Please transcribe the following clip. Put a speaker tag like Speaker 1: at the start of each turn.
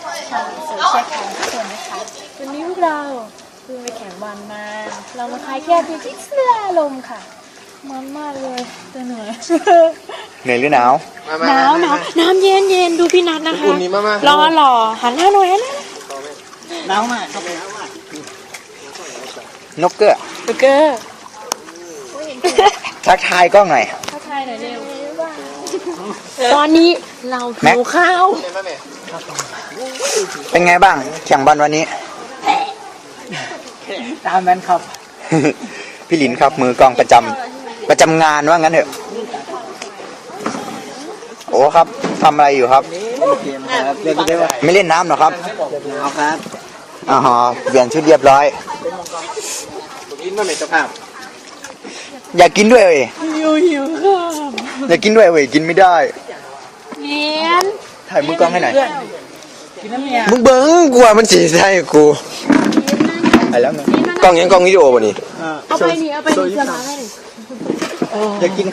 Speaker 1: สวยเชียร์ของทุกคนนะคะวันนี้พวกเราเพิ่งไปแข่งบอลมาเรามาคลายแก้ที่เสื้อลมค่ะมันมากเลยจะเหนื่อย
Speaker 2: เหนื่อยหรือหนาว
Speaker 1: หนาวน้ำเย็นเย็นดูพี่นัทนะคะรอหล่อหันหน้าหน่อยหันหน้าหนาวมากครับ
Speaker 2: นกเกอร์
Speaker 1: เกอร์
Speaker 2: ทักทายกล้องหน่อย
Speaker 1: ทักทายหน่อยเร็วตอนนี้เราหิวข้าว
Speaker 2: เป็นไงบ้างแข่งบอลวันนี้
Speaker 1: ตามนั้นครับ
Speaker 2: พี่หลินครับมือกองประจำงานว่างั้นเถอะโอ้ครับทำอะไรอยู่ครับไม่เล่นน้ำหรอครับเอาครับอ๋อเปลี่ยนชุดเรียบร้อยอยากกินด้วยเว้ย
Speaker 1: หิวข้าว
Speaker 2: อยากกินด้วยเว้ยกินไม่ได้
Speaker 1: เย็น
Speaker 2: ถ่ายมือกล้องให้หน่อย
Speaker 1: กินน้ำเนี่ย
Speaker 3: มึงเบิ้งกลัวมันสีใช่กู
Speaker 2: ไปแล้วไง
Speaker 3: กล้องยังกล้องวิดีโอป่ะนี่
Speaker 1: เอาไปนี่เสื้อมาให้หน่อย
Speaker 2: อยากกิน